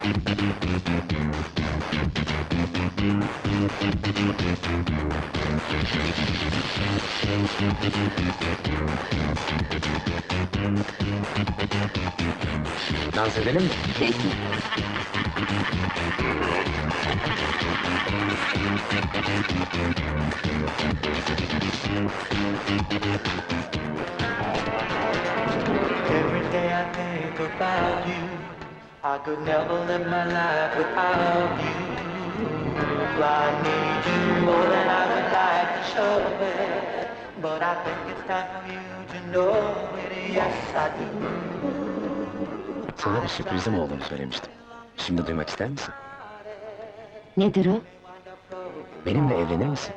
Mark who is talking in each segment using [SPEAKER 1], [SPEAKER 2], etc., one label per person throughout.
[SPEAKER 1] Dans edelim mi?
[SPEAKER 2] Peki.
[SPEAKER 3] Every day I think about you. I could never live my life without you. I need you more than I would like to show it. But I think it's time for you to know it. Yes, I do.
[SPEAKER 1] Sana bir sürprizim olduğunu söylemiştim. Şimdi duymak ister misin?
[SPEAKER 2] Nedir o?
[SPEAKER 1] Benimle evlenir misin?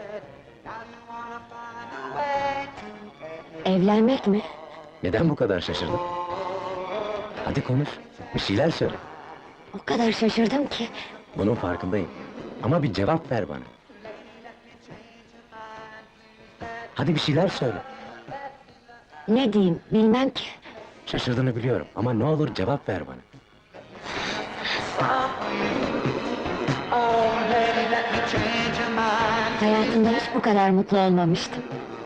[SPEAKER 2] Evlenmek mi?
[SPEAKER 1] Neden bu kadar şaşırdın? Hadi konuş, bir şeyler söyle.
[SPEAKER 2] O kadar şaşırdım ki.
[SPEAKER 1] Bunun farkındayım. Ama bir cevap ver bana. Hadi bir şeyler söyle.
[SPEAKER 2] Ne diyeyim, bilmem ki.
[SPEAKER 1] Şaşırdığını biliyorum ama ne olur cevap ver bana.
[SPEAKER 3] Oh, baby, let me change your mind.
[SPEAKER 2] Hayatımda hiç bu kadar mutlu olmamıştım.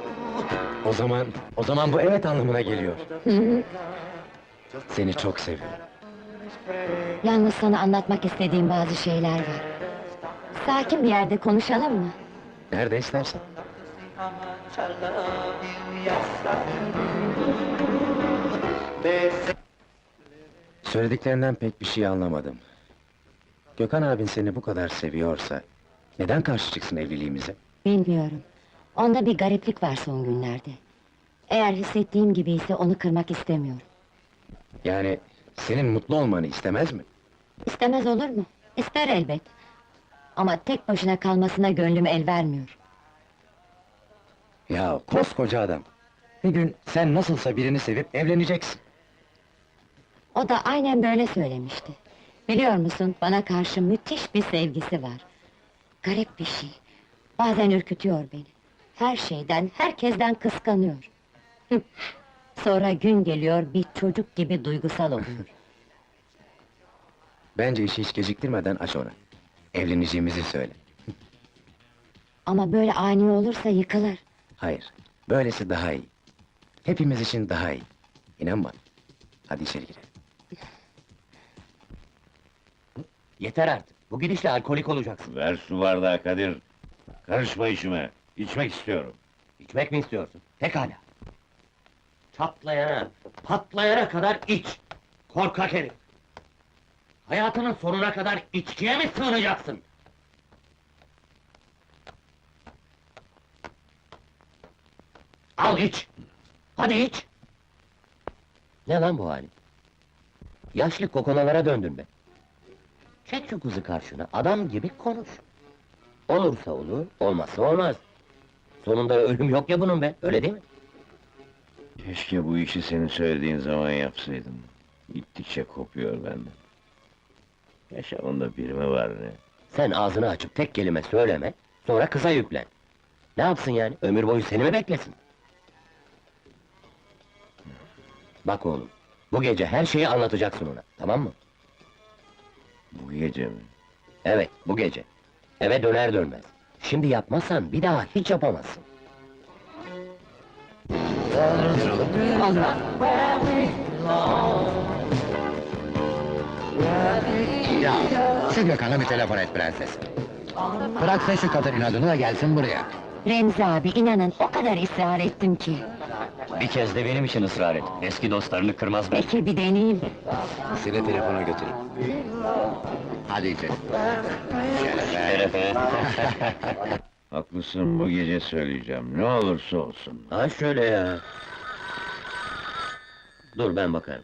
[SPEAKER 1] O zaman bu evet anlamına geliyor.
[SPEAKER 2] Hı hı.
[SPEAKER 1] Seni çok seviyorum.
[SPEAKER 2] Yalnız sana anlatmak istediğim bazı şeyler var. Sakin bir yerde konuşalım mı?
[SPEAKER 1] Nerede istersen.
[SPEAKER 3] How much I love you, yes, I do. They say
[SPEAKER 1] Söylediklerinden pek bir şey anlamadım. Gökhan abin seni bu kadar seviyorsa... ...neden karşı çıksın evliliğimize?
[SPEAKER 2] Bilmiyorum. Onda bir gariplik var son günlerde. Eğer hissettiğim gibi ise onu kırmak istemiyorum.
[SPEAKER 1] Yani senin mutlu olmanı istemez mi?
[SPEAKER 2] İstemez olur mu? İster elbet. Ama tek başına kalmasına gönlüm el vermiyor.
[SPEAKER 1] Ya koskoca adam! Bir gün sen nasılsa birini sevip evleneceksin.
[SPEAKER 2] O da aynen böyle söylemişti. Biliyor musun, bana karşı müthiş bir sevgisi var. Garip bir şey. Bazen ürkütüyor beni. Her şeyden, herkesten kıskanıyor. Sonra gün geliyor, bir çocuk gibi duygusal oluyor.
[SPEAKER 1] Bence işi hiç geciktirmeden aç ona. Evleneceğimizi söyle.
[SPEAKER 2] Ama böyle ani olursa yıkılır.
[SPEAKER 1] Hayır, böylesi daha iyi. Hepimiz için daha iyi. İnan bana. Hadi içeri girelim.
[SPEAKER 4] Yeter artık. Bu gidişle alkolik olacaksın.
[SPEAKER 5] Ver su bardağı Kadir. Karışma işime. İçmek istiyorum.
[SPEAKER 4] İçmek mi istiyorsun? Pekala. Çatlayana, patlayana kadar iç. Korkak herif. Hayatının sonuna kadar içkiye mi sığınacaksın? Al iç! Hadi iç! Ne lan bu halin? Yaşlı kokonalara döndün be. Çek şu kızı karşına, adam gibi konuş. Olursa olur, olmazsa olmaz. Sonunda ölüm yok ya bunun be, öyle değil mi?
[SPEAKER 5] Keşke bu işi senin söylediğin zaman yapsaydım. Gittikçe kopuyor benden. Yaşamında biri mi var ne?
[SPEAKER 4] Sen ağzını açıp tek kelime söyleme, sonra kıza yüklen. Ne yapsın yani, ömür boyu seni mi beklesin? Bak oğlum, bu gece her şeyi anlatacaksın ona, tamam mı?
[SPEAKER 5] Bu gece mi?
[SPEAKER 4] Evet, bu gece. Eve döner dönmez. Şimdi yapmazsan bir daha hiç yapamazsın.
[SPEAKER 6] Ya, şu Gökhan'a bir telefon et prenses. Bıraksın şu kadın inadını da gelsin buraya.
[SPEAKER 2] Remzi abi, inanın o kadar ısrar ettim ki.
[SPEAKER 4] Bir kez de benim için ısrar et. Eski dostlarını kırmaz ben.
[SPEAKER 2] Peki bir deneyeyim.
[SPEAKER 1] Seni telefona götüreyim.
[SPEAKER 6] Hadi içeri.
[SPEAKER 4] Şerefe.
[SPEAKER 5] Haklısın, bu gece söyleyeceğim. Ne olursa olsun.
[SPEAKER 4] Ha şöyle ya. Dur ben bakarım.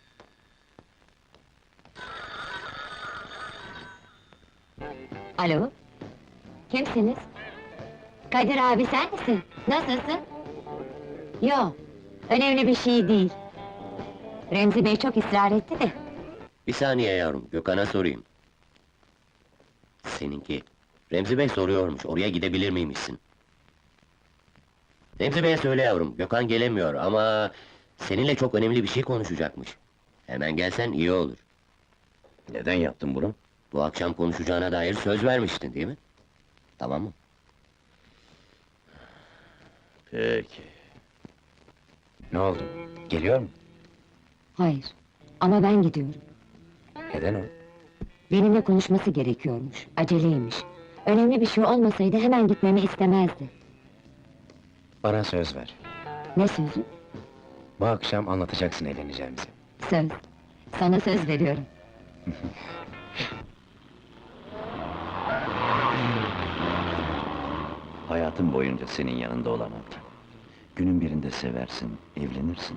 [SPEAKER 2] Alo? Kimsiniz? Kadir abi sen misin? Nasılsın? Yo, önemli bir şey değil. Remzi Bey çok ısrar etti de.
[SPEAKER 4] Bir saniye yavrum, Gökhan'a sorayım. Seninki. Remzi Bey soruyormuş, oraya gidebilir miymişsin? Remzi Bey'e söyle yavrum, Gökhan gelemiyor ama... ...seninle çok önemli bir şey konuşacakmış. Hemen gelsen iyi olur.
[SPEAKER 5] Neden yaptın bunu?
[SPEAKER 4] Bu akşam konuşacağına dair söz vermiştin değil mi? Tamam mı?
[SPEAKER 5] Peki.
[SPEAKER 1] Ne oldu? Geliyor mu?
[SPEAKER 2] Hayır, ama ben gidiyorum.
[SPEAKER 1] Neden o?
[SPEAKER 2] Benimle konuşması gerekiyormuş, aceleymiş. Önemli bir şey olmasaydı hemen gitmemi istemezdi.
[SPEAKER 1] Bana söz ver.
[SPEAKER 2] Ne sözü?
[SPEAKER 1] Bu akşam anlatacaksın evleneceğimizi.
[SPEAKER 2] Söz. Sana söz veriyorum.
[SPEAKER 5] Hayatın boyunca senin yanında olamam. Günün birinde seversin, evlenirsin.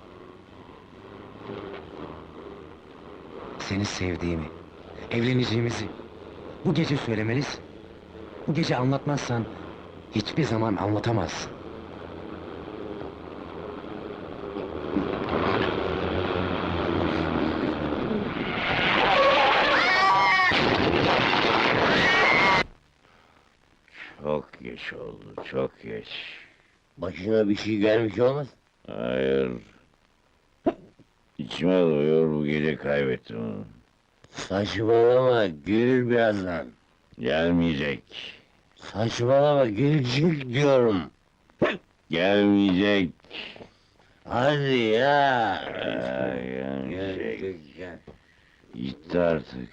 [SPEAKER 1] Seni sevdiğimi, evleneceğimizi bu gece söylemelisin. Bu gece anlatmazsan hiçbir zaman anlatamazsın.
[SPEAKER 5] Çok geç oldu, çok geç.
[SPEAKER 4] Başına bir şey gelmiş olmaz.
[SPEAKER 5] Hayır. İçime doyuyor, bu gece kaybettim onu.
[SPEAKER 4] Saçmalama, gelir birazdan.
[SPEAKER 5] Gelmeyecek.
[SPEAKER 4] Saçmalama, gelecek diyorum.
[SPEAKER 5] Gelmeyecek.
[SPEAKER 4] Hadi ya.
[SPEAKER 5] Gelmeyecek.
[SPEAKER 4] Gel.
[SPEAKER 5] Gitti artık.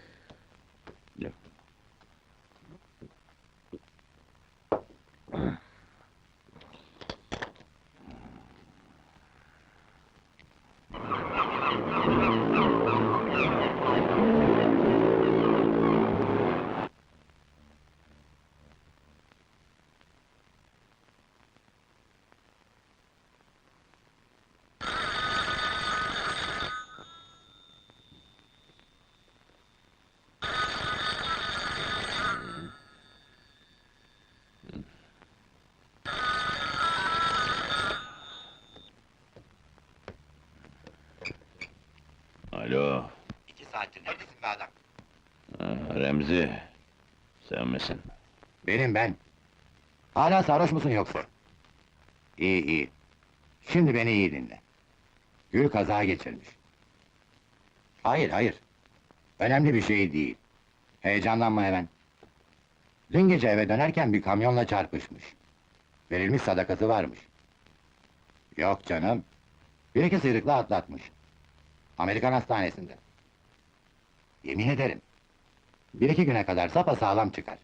[SPEAKER 5] Alo.
[SPEAKER 6] 2 saattir neredesin be adam?
[SPEAKER 5] Remzi. Sen misin?
[SPEAKER 6] Benim ben. Hala sarhoş musun yoksa? İyi iyi. Şimdi beni iyi dinle. Gül kaza geçirmiş. Hayır hayır. Önemli bir şey değil. Heyecanlanma hemen. Dün gece eve dönerken bir kamyonla çarpışmış. Verilmiş sadakası varmış. Yok canım. Bir iki sıyrıkla atlatmış. Amerikan hastanesinde. Yemin ederim. 1-2 güne kadar sapasağlam çıkar.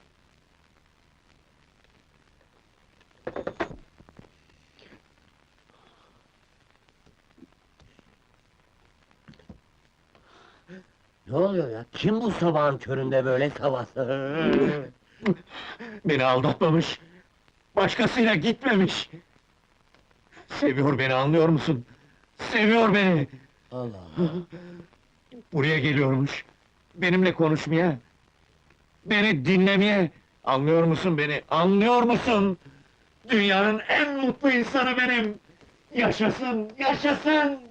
[SPEAKER 4] Ne oluyor ya? Kim bu sabahın köründe böyle sabah?
[SPEAKER 7] Beni aldatmamış. Başkasıyla gitmemiş. Seviyor beni, anlıyor musun? Seviyor beni.
[SPEAKER 4] Allah Allah.
[SPEAKER 7] Buraya geliyormuş. Benimle konuşmaya. Beni dinlemeye. Anlıyor musun beni? Anlıyor musun? Dünyanın en mutlu insanı benim. Yaşasın, yaşasın!